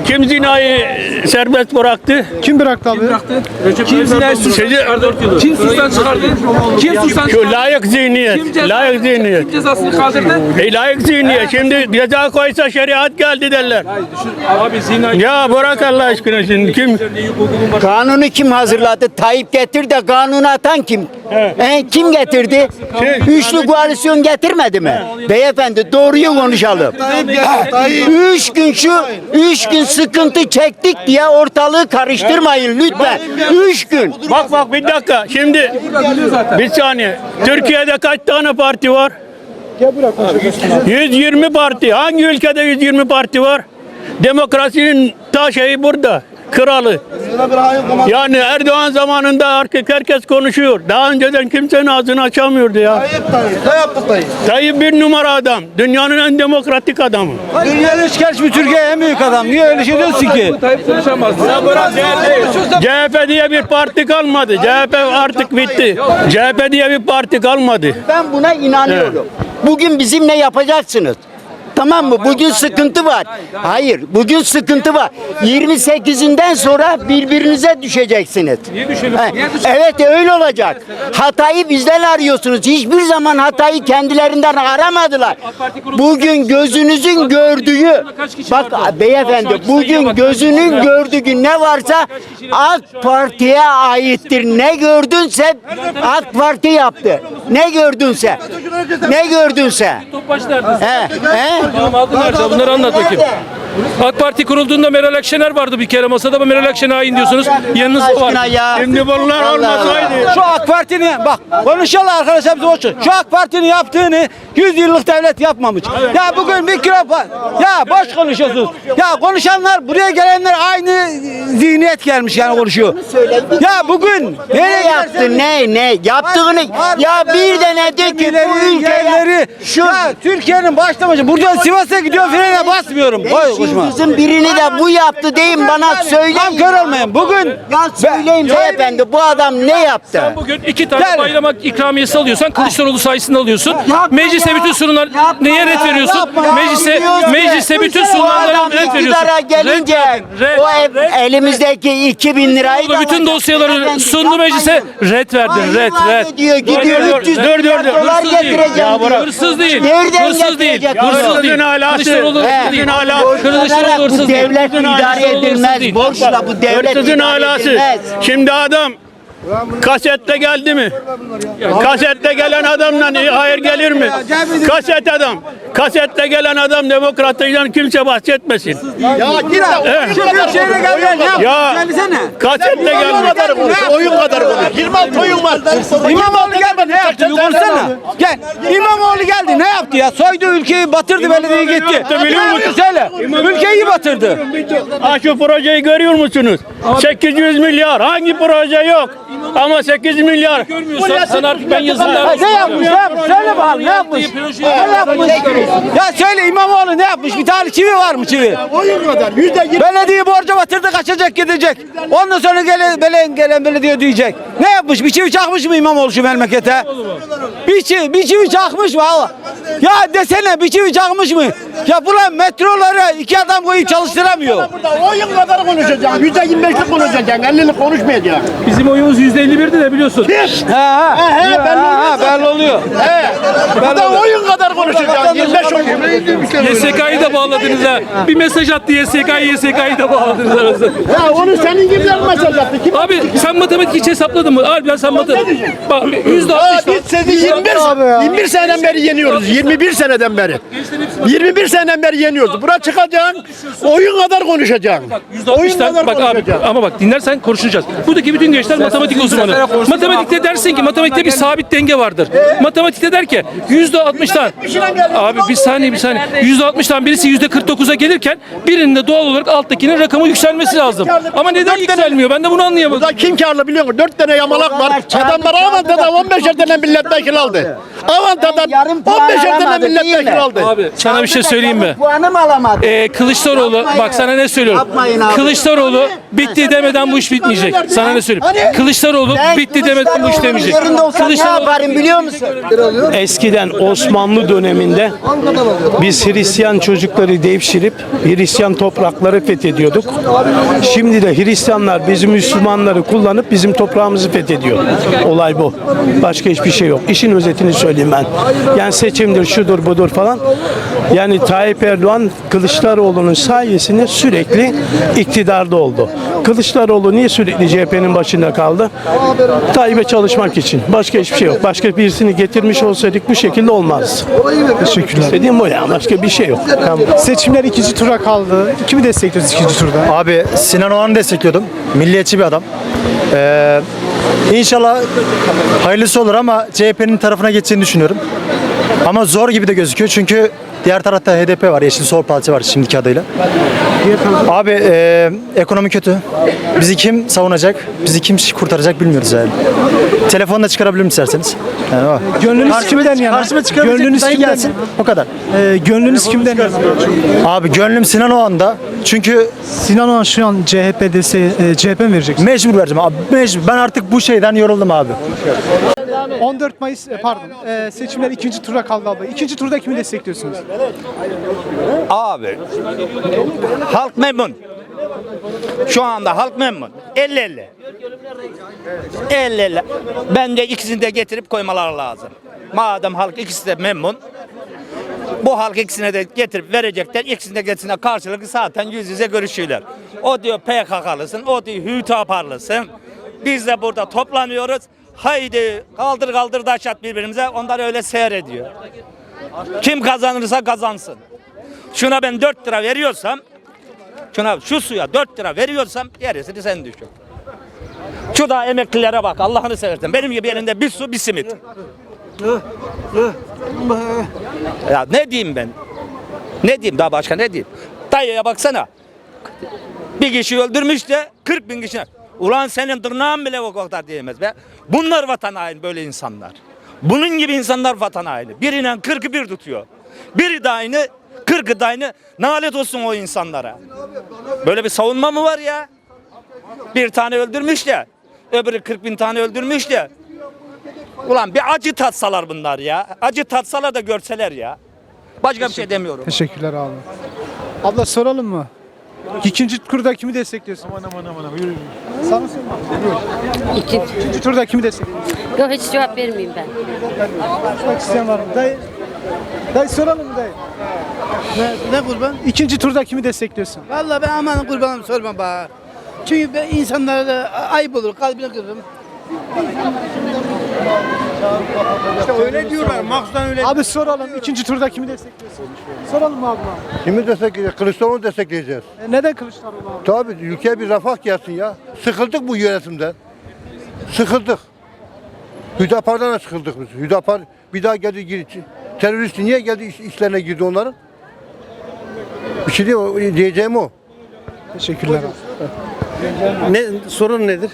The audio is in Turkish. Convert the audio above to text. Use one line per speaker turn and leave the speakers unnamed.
Kim zinayı serbest bıraktı?
Kim bıraktı abi?
Kim zinayı suçtan çıkardı? Kim suçtan çıkardı? Kim suçtan
Şu
çıkardı?
layık zihniyet.
Kim cezasını kaldırdı?
Layık zihniyet. Şimdi ceza koysa şeriat geldi derler.
Abi zinayı...
Ya bırak Allah aşkına şimdi kim?
Kanunu kim hazırladı? Tayyip getir de kanunu atan kim? Kim getirdi? Üçlü koalisyon getirmedi mi? Beyefendi doğruyu konuşalım. Üç gün sıkıntı çektik diye ortalığı karıştırmayın lütfen. 3 gün.
Bak bir dakika. Şimdi bir saniye. Türkiye'de kaç tane parti var? 120 parti. Hangi ülkede 120 parti var? Demokrasinin ta şeyi burada. Kralı. Yani Erdoğan zamanında artık herkes konuşuyor. Daha önceden kimsenin ağzını açamıyordu ya. Tayyip bir numara adam. Dünyanın en demokratik adamı.
Dünyanın hiç Türkiye en büyük adam. Niye öyle şey diyorsun ki?
Tayyip konuşamaz.
CHP diye bir parti kalmadı. CHP artık bitti. CHP diye bir parti kalmadı.
Ben buna inanıyorum. Bugün bizimle yapacaksınız. Tamam mı? Bugün sıkıntı var. Hayır, bugün sıkıntı var. 28'inden sonra birbirinize düşeceksiniz.
Niye düşelim?
Evet öyle olacak. Hatayı bizden arıyorsunuz. Hiçbir zaman hatayı kendilerinden aramadılar. Bugün gözünüzün gördüğü, bak beyefendi, bugün gözünün gördüğü ne varsa AK Parti'ye aittir. Ne gördünse AK Parti yaptı. Ne gördünse. Ne gördünse.
Topbaş nerede?
He?
Damadı nerede? Bunları anlat bakayım. AK Parti kurulduğunda Meral Akşener vardı bir kere masada, ama Meral Akşener hain diyorsunuz. Yanınızda var.
Aşkına ya.
Şimdi bunlar olmasaydı.
Şu AK Parti'nin bak konuşalım arkadaşlar bize olsun. Şu AK Parti'nin yaptığını 100 yıllık devlet yapmamış. Ya bugün bir kilo ya boş konuşuyorsunuz. Ya konuşanlar buraya gelenler aynı zihniyet gelmiş yani konuşuyor. Ya bugün
Ne yaptı? Ne? Yaptığını ya bir de ne de ki bu ülkeye şu
ya Türkiye'nin başlamışı buradan Sivas'a gidiyor frene basmıyorum. Koy konuşma.
kızın birini de bu yaptı deyin bana söyleyin.
Tam kör olmayın. Bugün
Ya söyleyin beyefendi bu adam ne yaptı?
Bugün 2 tane
Gel.
bayram ikramiyesi alıyorsan Kılıçdaroğlu sayesinde alıyorsun.
Yapma
Meclise
ya.
bütün sunulan
Yapma
neye
ya,
ret veriyorsun?
yapma ya.
Meclise bütün
Bu
sunulanlara
adam
ret veriyorsun.
iktidara gelince
Ret,
o
ret.
elimizdeki 2000 lirayı da
Bütün dosyaları sundu meclise. Ret verdin. Ret.
Diyor gidiyor 300
dur.
dolar
Hırsız değil.
getireceğim
Ya
diyor.
Hırsız değil.
Nereden
Hırsız değil.
getirecek?
Hırsız değil.
Hırsızın alası.
Kılıçdaroğlu hırsız değil. Kılıçdaroğlu
Bu
hırsız değil.
devlet idare
Kılıçdaroğlu hırsız
edilmez.
değil.
Borçla bu devlet
Hırsızın
idare
alası.
edilmez.
Şimdi adam kasette geldi mi? Kasette gelen adamla hayır gelir mi? Kaset adam. Kasette gelen adam demokratlıktan kimse bahsetmesin.
Büyükşehir'e geldi.
Ya kasette gelmiş.
Oyun kadar konuş. 26 oyun var.
İmamoğlu geldi ne yaptı? Bir konuşsana. Gel. İmamoğlu geldi ne yaptı ya? Soydu ülkeyi, batırdı belediyeyi gitti.
yaptı biliyor musun?
Söyle. Ülkeyi batırdı.
Ha şu projeyi görüyor musunuz? 800 milyar. Hangi proje yok? Ama 8 milyar.
Görmüyorsan sen artık ben yazımda.
Ne yapmış? Ne yapmış? Söyle bakalım ne yapmış? Ne yapmış? Ya söyle İmamoğlu ne yapmış? Bir tane çivi var mı çivi?
Oyun kadar. %20.
Belediye borca batırdı, kaçacak gidecek. Ondan sonra gelen belediye diyecek. Ne yapmış? Bir çivi çakmış mı İmamoğlu şu memlekete? Bir çivi çakmış mı? Allah. Ya desene bir çivi çakmış mı? Ya bulan metroları 2 adam koyup çalıştıramıyor.
Burada oyun kadar konuşacaksın. %25'lik konuşacaksın. 50'lik konuşmayacaksın.
Bizim oyumuz %51'di de biliyorsun.
Belli oluyor.
Burada oyun kadar konuşacaksın. 25 oyun.
YSK'yı da bağladınız ha. Bir mesaj attı YSK'yı da bağladınız arasında.
Ya onu senin gibiler mesaj attı. Kim?
Abi sen matematik hiç hesapladın mı? Harbiden sen matematik. Bak %60.
Biz sizi 21 seneden beri yeniyoruz. 21 seneden beri. 21 seneden beri yeniyoruz. Buna çıkacaksın. Oyun kadar konuşacaksın. Oyun
%60'tan
kadar
bak abi
konuşacaksın.
ama bak dinlersen konuşacağız. Buradaki bütün gençler matematik uzmanı. Matematikte dersin ki matematikte bir sabit denge vardır. Matematikte der ki %60'tan abi bir saniye %60'tan birisi %49'a gelirken birinin de doğal olarak alttakinin rakamı yükselmesi lazım. Ama neden yükselmiyor? Ben de bunu anlayamadım.
Burada kim karlı biliyor musun? 4 tane yamalak var. Adamlar almadı da 15'er tane milletvekili aldı. Avantadan
Yarım puan
15 tane
alamadı, değil
milletvekili
mi?
aldı.
Abi sana bir şey söyleyeyim mi?
Puanım alamadı.
Kılıçdaroğlu
Yapmayın.
bak sana ne söylüyorum.
Yapmayın abi.
Kılıçdaroğlu bitti demeden bu iş bitmeyecek. Sana ne söyleyeyim? Kılıçdaroğlu
Ben
bitti demeden bu iş
Kılıçdaroğlu'nun
demeyecek.
yerinde olsam ne yaparım biliyor musun?
Eskiden Osmanlı döneminde biz Hristiyan çocukları devşirip Hristiyan toprakları fethediyorduk. Şimdi de Hristiyanlar bizim Müslümanları kullanıp bizim toprağımızı fethediyor. Olay bu. Başka hiçbir şey yok. İşin özetini söyleyeyim ben. Yani seçimdir, şudur, budur falan. Yani Tayyip Erdoğan Kılıçdaroğlu'nun sayesinde sürekli iktidarda oldu. Kılıçdaroğlu niye sürekli CHP'nin başında kaldı? Tayyip'e çalışmak için. Başka hiçbir şey yok. Başka birisini getirmiş olsaydık bu şekilde olmazdı.
Teşekkürler.
Dediğim bu ya. Başka bir şey yok.
Seçimler ikinci tura kaldı. Kimi destekliyoruz ikinci turda?
Abi Sinan Oğan'ı destekliyordum. Milliyetçi bir adam. İnşallah hayırlısı olur ama CHP'nin tarafına geçeceğini düşünüyorum. Ama zor gibi de gözüküyor çünkü diğer tarafta HDP var, Yeşil Sol Parti var şimdiki adıyla. Abi ekonomi kötü. Bizi kim savunacak, bizi kim kurtaracak bilmiyoruz yani. Telefonla çıkarabilirim isterseniz. Yani o.
Gönlünüz kimden yana?
Karşıma çıkabilecek
Gönlünüz
bir dayı
kimden
gelsin. O kadar.
Gönlünüz kimden yana?
Abi gönlüm Sinan Oğan'da. Çünkü
Sinan Oğan şu an CHP dese CHP mi vereceksin?
mecbur vereceğim abi. Mecbur. Ben artık bu şeyden yoruldum abi.
14 Mayıs seçimler ikinci tura kaldı abi. İkinci turda kimi destekliyorsunuz?
Abi halk memnun. Şu anda halk memnun. 50-50. 50-50. Bence ikisini de getirip koymaları lazım. Madem halk ikisi de memnun. Bu halk ikisine de getirip verecekler. İkisine de getirine karşılıklı zaten yüz yüze görüşüyorlar. O diyor PKK'lısın, o diyor Hüdapar'lısın. Biz de burada toplanıyoruz. Haydi kaldır kaldır taş at birbirimize. Onlar öyle seyrediyor. Kim kazanırsa kazansın. Şuna ben 4 lira veriyorsam, şu suya 4 lira veriyorsam gerisini sen düşün. Şu da emeklilere bak Allah'ını seversen. Benim gibi elinde bir su bir simit. Ya ne diyeyim ben? Ne diyeyim daha başka ne diyeyim? Dayıya baksana. Bir kişi öldürmüş de 40 bin kişi. Ulan senin tırnağın bile o kadar diyemez be. Bunlar vatan haini böyle insanlar. Bunun gibi insanlar vatan haini. Birine 40'ı bir tutuyor. Biri de aynı, 40'ı da aynı. Nalet olsun o insanlara. Böyle bir savunma mı var ya? Bir tane öldürmüş de, öbürü 40 bin tane öldürmüş de. Ulan bir acı tatsalar bunlar ya. Acı tatsalar da görseler ya. Başka bir şey demiyorum.
Teşekkürler abi. Abla soralım mı? İkinci turda kimi destekliyorsun? Sana sorma. İkinci turda kimi destekliyorsun?
Yok hiç cevap vermeyeyim ben.
Konuşmak isteyen var mı? Dayı soralım mı dayı?
Ne kurban?
İkinci turda kimi destekliyorsun?
Vallahi ben aman kurbanım sorma bana. Çünkü ben insanlara da ayıp olur, kalbine kırırım. İşte öyle diyorlar, mahsustan öyle.
Abi soralım ikinci turda kimi destekliyorsun? Soralım mı abla?
Kimi destekleyeceğiz? Kılıçdaroğlu'nu destekleyeceğiz.
Neden Kılıçdaroğlu abi?
Tabii ülkeye bir refah gelsin ya. Sıkıldık bu yönetimden. Sıkıldık. Hüdapar'dan da sıkıldık biz. Hüdapar bir daha geldi girdi. Terörist niye geldi işlerine girdi onların? Bir şey diyeceğim o.
Teşekkürler abi.
Ne sorun nedir?